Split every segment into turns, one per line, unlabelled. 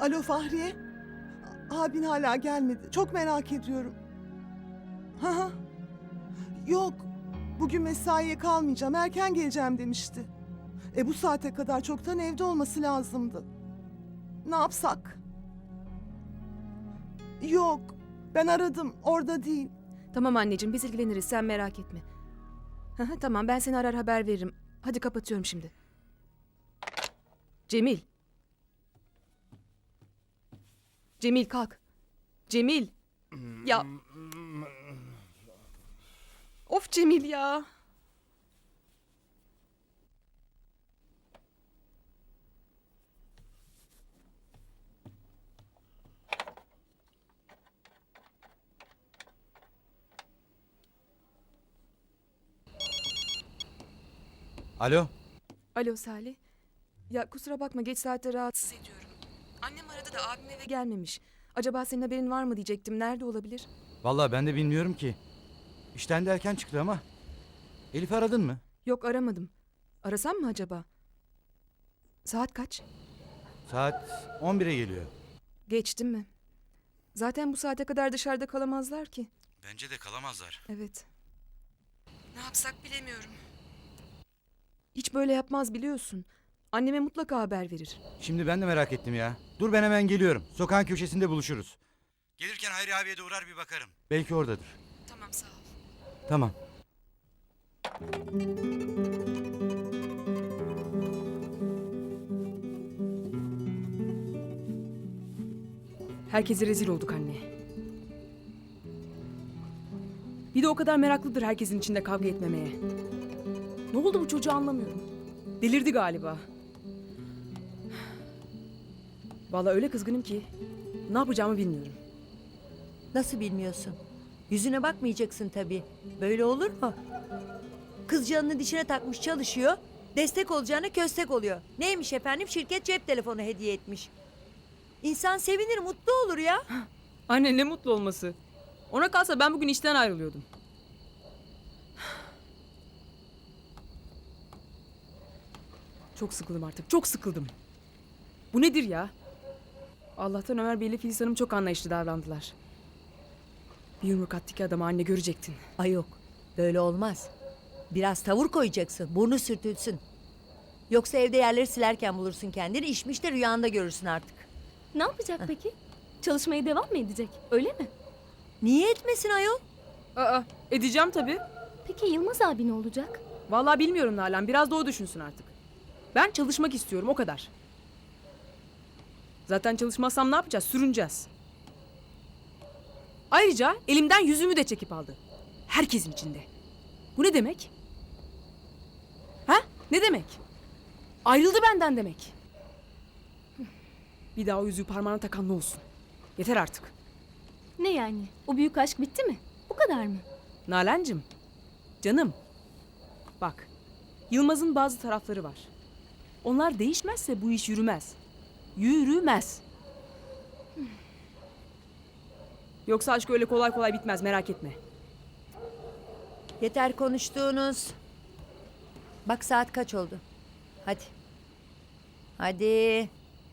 Alo Fahriye. Abin hala gelmedi. Çok merak ediyorum. Ha. Yok. Bugün mesaiye kalmayacağım. Erken geleceğim demişti. Bu saate kadar çoktan evde olması lazımdı. Ne yapsak? Yok. Ben aradım. Orada değil.
Tamam anneciğim, biz ilgileniriz, sen merak etme. Tamam, ben seni arar haber veririm. Hadi kapatıyorum şimdi. Cemil. Cemil kalk. Cemil. Ya. Of Cemil ya.
Alo.
Alo Salih. Ya kusura bakma, geç saatte rahatsız ediyorum. Annem aradı da abim eve gelmemiş. Acaba senin haberin var mı diyecektim. Nerede olabilir?
Vallahi ben de bilmiyorum ki. İşten de erken çıktı ama. Elif'i aradın mı?
Yok, aramadım. Arasam mı acaba? Saat kaç?
Saat 11'e geliyor.
Geçti mi? Zaten bu saate kadar dışarıda kalamazlar ki.
Bence de kalamazlar.
Evet. Ne yapsak bilemiyorum. Hiç böyle yapmaz biliyorsun. Anneme mutlaka haber verir.
Şimdi ben de merak ettim ya. Dur ben hemen geliyorum. Sokağın köşesinde buluşuruz. Gelirken Hayri abiye de uğrar bir bakarım. Belki oradadır.
Tamam, sağ ol.
Tamam.
Herkese rezil olduk anne. Bir de o kadar meraklıdır herkesin içinde kavga etmemeye. Ne oldu bu çocuğa anlamıyorum. Delirdi galiba. Vallahi öyle kızgınım ki ne yapacağımı bilmiyorum.
Nasıl bilmiyorsun? Yüzüne bakmayacaksın tabii. Böyle olur mu? Kız canını dişine takmış çalışıyor. Destek olacağına köstek oluyor. Neymiş efendim? Şirket cep telefonu hediye etmiş. İnsan sevinir, mutlu olur ya.
Anne ne mutlu olması. Ona kalsa ben bugün işten ayrılıyordum. Çok sıkıldım artık. Çok sıkıldım. Bu nedir ya? Allah'tan Ömer Bey ile Filiz Hanım çok anlayışlı davrandılar. Bir yumruk attı ki adama anne görecektin.
Ay yok, böyle olmaz. Biraz tavır koyacaksın, burnu sürtülsün. Yoksa evde yerleri silerken bulursun kendini, işmiş de rüyanda görürsün artık.
Ne yapacak peki? Çalışmaya devam mı edecek? Öyle mi?
Niye etmesin ayol?
Aa, edeceğim tabii.
Peki Yılmaz abi ne olacak?
Vallahi bilmiyorum Nalan. Biraz da o düşünsün artık. Ben çalışmak istiyorum, o kadar. Zaten çalışmazsam ne yapacağız? Sürüneceğiz. Ayrıca elimden yüzümü de çekip aldı. Herkesin içinde. Bu ne demek? Ha? Ne demek? Ayrıldı benden demek. Bir daha o yüzüğü parmağına takan ne olsun? Yeter artık.
Ne yani? O büyük aşk bitti mi? Bu kadar mı?
Nalan'cığım, canım. Bak, Yılmaz'ın bazı tarafları var. Onlar değişmezse bu iş yürümez. Yürümez. Yoksa aşk öyle kolay kolay bitmez, merak etme.
Yeter konuştuğunuz. Bak saat kaç oldu? Hadi. Hadi.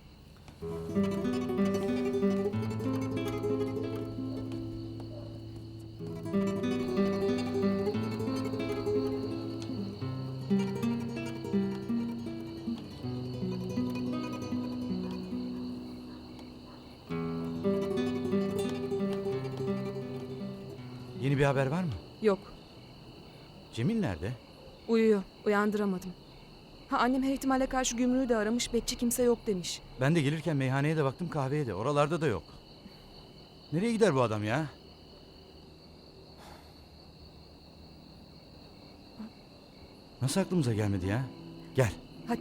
Yeni bir haber var mı?
Yok,
Cemil nerede?
uyuyor. Uyandıramadım. Annem her ihtimale karşı gümrüğü de aramış. Bekçi kimse yok demiş.
Ben de gelirken meyhaneye de baktım, kahveye de. Oralarda da yok. Nereye gider bu adam ya? Nasıl aklımıza gelmedi ya? Gel.
Hadi.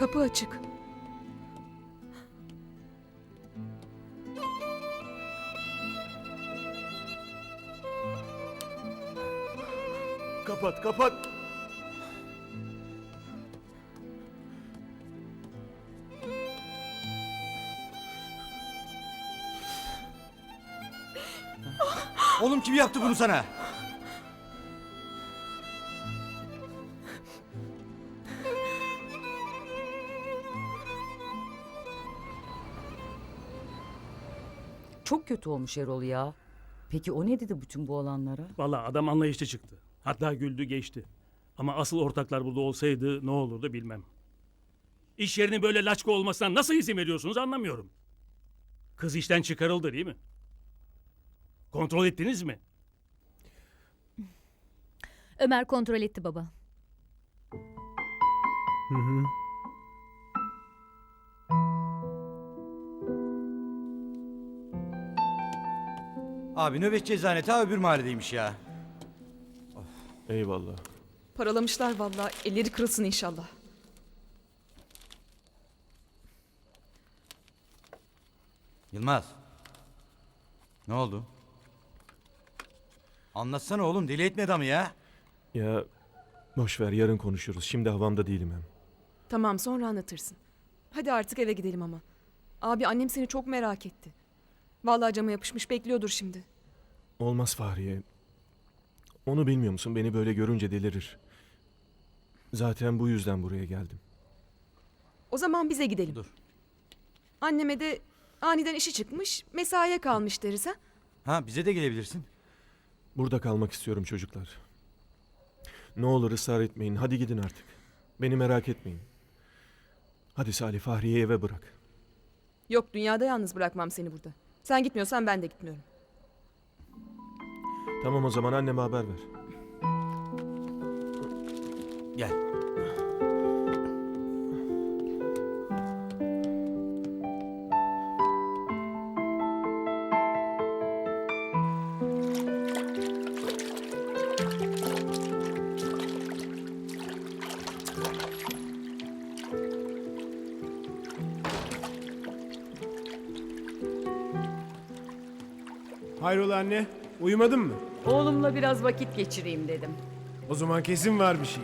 Kapı açık.
Kapat, kapat.
Oğlum kim yaptı bunu sana?
Çok kötü olmuş Erol ya. Peki o ne dedi bütün bu olanlara?
Vallahi adam anlayışlı çıktı. Hatta güldü geçti. Ama asıl ortaklar burada olsaydı ne olurdu bilmem. İş yerinin böyle laçka olmasına nasıl izin veriyorsunuz anlamıyorum. Kız işten çıkarıldı değil mi? Kontrol ettiniz mi?
Ömer kontrol etti baba.
Abi nöbetçi eczane ta öbür mahalledeymiş ya.
Eyvallah.
Paralamışlar vallahi. Elleri kırılsın inşallah.
Yılmaz. Ne oldu? Anlatsana oğlum, deli etme adamı ya.
Ya boş ver, yarın konuşuruz. Şimdi havamda değilim hem.
Tamam, sonra anlatırsın. Hadi artık eve gidelim ama. Abi, annem seni çok merak etti. Vallahi cama yapışmış bekliyordur şimdi.
Olmaz Fahriye. Onu bilmiyor musun? Beni böyle görünce delirir. Zaten bu yüzden buraya geldim.
O zaman bize gidelim.
Dur.
Anneme de aniden işi çıkmış, mesaiye kalmış deriz ha.
Ha, bize de gelebilirsin.
Burada kalmak istiyorum çocuklar. Ne olur ısrar etmeyin. Hadi gidin artık. Beni merak etmeyin. Hadi Salih, Fahriye'yi eve bırak.
Yok, dünyada yalnız bırakmam seni burada. Sen gitmiyorsan ben de gitmiyorum.
Tamam, o zaman anneme haber ver.
Gel.
Hayrola anne, uyumadın mı?
Oğlumla biraz vakit geçireyim dedim.
O zaman kesin var bir şey.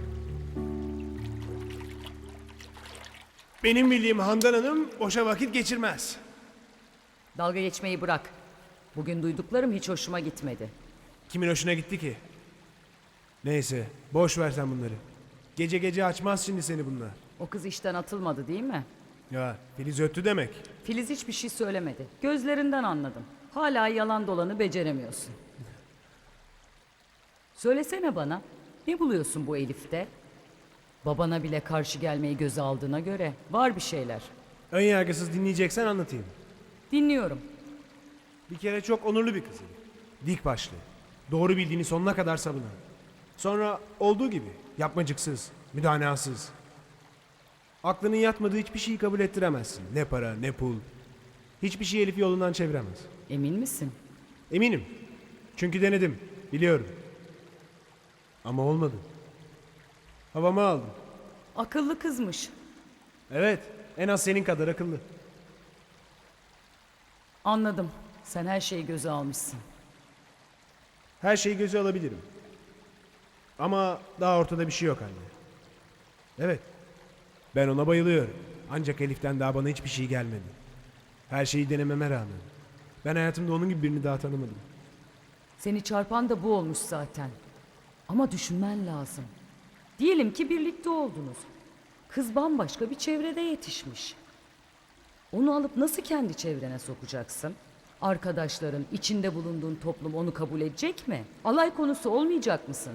Benim bildiğim Handan Hanım boşa vakit geçirmez.
Dalga geçmeyi bırak. Bugün duyduklarım hiç hoşuma gitmedi.
Kimin hoşuna gitti ki? Neyse, boş ver sen bunları. Gece gece açmaz şimdi seni bunlar.
O kız işten atılmadı değil mi?
Ya, Filiz öttü demek.
Filiz hiçbir şey söylemedi. Gözlerinden anladım. Hala yalan dolanı beceremiyorsun. Söylesene bana, ne buluyorsun bu Elif'te? Babana bile karşı gelmeyi göze aldığına göre var bir şeyler.
Ön yargısız dinleyeceksen anlatayım.
Dinliyorum.
Bir kere çok onurlu bir kız. Dik başlı. Doğru bildiğini sonuna kadar savunan. Sonra olduğu gibi yapmacıksız, müdanasız. Aklının yatmadığı hiçbir şeyi kabul ettiremezsin. Ne para, ne pul. Hiçbir şey Elif'i yolundan çeviremez.
Emin misin?
Eminim. Çünkü denedim. Biliyorum. Ama olmadı. Havamı aldım.
Akıllı kızmış.
Evet. En az senin kadar akıllı.
Anladım. Sen her şeyi göze almışsın.
Her şeyi göze alabilirim. Ama daha ortada bir şey yok anne. Evet. Ben ona bayılıyorum. Ancak Elif'ten daha bana hiçbir şey gelmedi. Her şeyi denememe rağmen. Ben hayatımda onun gibi birini daha tanımadım.
Seni çarpan da bu olmuş zaten. Ama düşünmen lazım. Diyelim ki birlikte oldunuz. Kız bambaşka bir çevrede yetişmiş. Onu alıp nasıl kendi çevrene sokacaksın? Arkadaşların, içinde bulunduğun toplum onu kabul edecek mi? Alay konusu olmayacak mısın?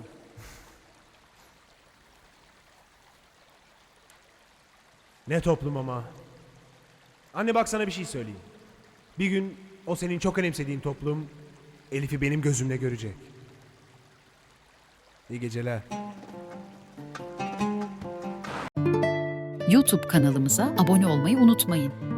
Ne toplum ama. Anne bak sana bir şey söyleyeyim. Bir gün o senin çok önemsediğin toplum Elif'i benim gözümle görecek. İyi geceler.
YouTube kanalımıza abone olmayı unutmayın.